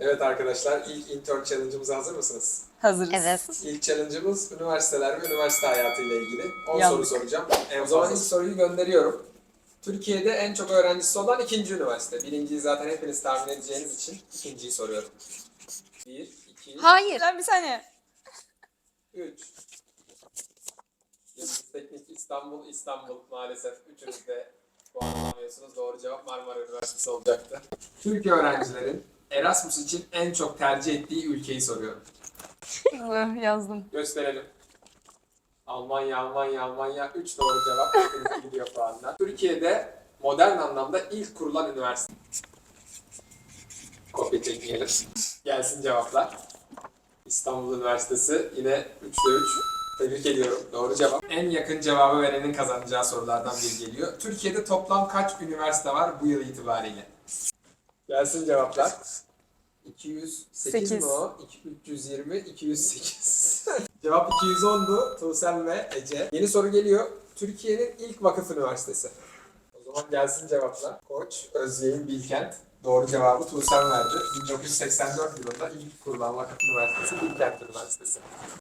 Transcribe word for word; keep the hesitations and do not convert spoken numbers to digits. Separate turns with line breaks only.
Evet arkadaşlar, ilk intern challenge'ımıza hazır mısınız?
Hazırız.
Evet.
İlk challenge'ımız üniversiteler ve üniversite hayatıyla ilgili. on
Yandık.
soru soracağım. En o zaman ilk soruyu gönderiyorum. Türkiye'de en çok öğrencisi olan ikinci üniversite. Birinciyi zaten hepiniz tahmin edeceğiniz için ikinciyi soruyorum. Bir, iki,
Hayır.
Lan bir saniye.
üç. Yıldız Teknik İstanbul, İstanbul maalesef. Üçünüz de puan alamıyorsunuz. Doğru cevap Marmara Üniversitesi olacaktı. Türk öğrencilerin Erasmus için en çok tercih ettiği ülkeyi soruyorum.
Yazdım.
Gösterelim. Almanya, Almanya, Almanya. üç doğru cevap. Hepinize gidiyor puanlar. Türkiye'de modern anlamda ilk kurulan üniversite. Kopya çekmeyelim. Gelsin cevaplar. İstanbul Üniversitesi yine üçte üç. Tebrik ediyorum. Doğru cevap. En yakın cevabı verenin kazanacağı sorulardan biri geliyor. Türkiye'de toplam kaç üniversite var bu yıl itibariyle? Gelsin cevaplar. iki yüz sekiz
Sekiz.
mi o? üç yüz yirmi, iki yüz sekiz. Cevap iki yüz ondu. Tuğsel ve Ece. Yeni soru geliyor. Türkiye'nin ilk vakıf üniversitesi. O zaman gelsin cevaplar. Koç, Özyeğin, Bilkent. Doğru cevabı Tuğsel verdi. bin dokuz yüz seksen dört yılında ilk kurulan vakıf üniversitesi Bilkent Üniversitesi.